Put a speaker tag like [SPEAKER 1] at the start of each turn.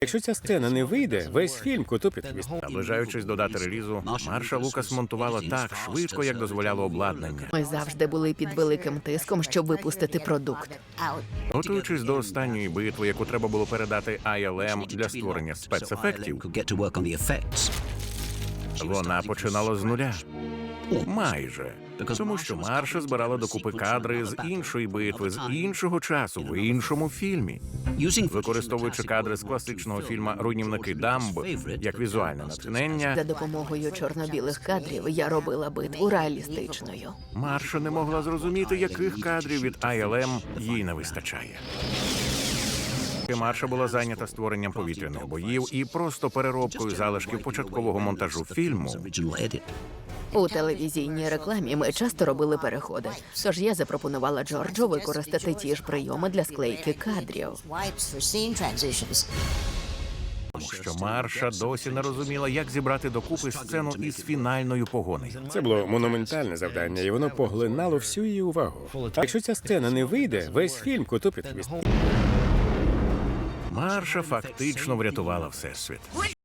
[SPEAKER 1] Якщо ця сцена не вийде, весь фільм коту під хвіст.
[SPEAKER 2] Наближаючись до дати релізу, Марша Лукас монтувала так швидко, як дозволяло обладнання.
[SPEAKER 3] Ми завжди були під великим тиском, щоб випустити продукт.
[SPEAKER 2] Готуючись до останньої битви, яку треба було передати ILM для створення спецефектів, вона починала з нуля. Майже. Тому що Марша збирала докупи кадри з іншої битви, з іншого часу, в іншому фільмі. Використовуючи кадри з класичного фільму «Руйнівники Дамб» як візуальне натхнення,
[SPEAKER 3] За допомогою чорно-білих кадрів я робила битву реалістичною.
[SPEAKER 2] Марша не могла зрозуміти, яких кадрів від ILM їй не вистачає. Марша була зайнята створенням повітряних боїв і просто переробкою залишків початкового монтажу фільму.
[SPEAKER 3] У телевізійній рекламі ми часто робили переходи. Тож я запропонувала Джорджу використати ті ж прийоми для склейки кадрів.
[SPEAKER 2] Тому що Марша досі не розуміла, як зібрати докупи сцену із фінальною погонею.
[SPEAKER 1] Це було монументальне завдання, і воно поглинало всю її увагу. Якщо ця сцена не вийде, весь фільм коту під хвіст.
[SPEAKER 2] Марша фактично врятувала Всесвіт.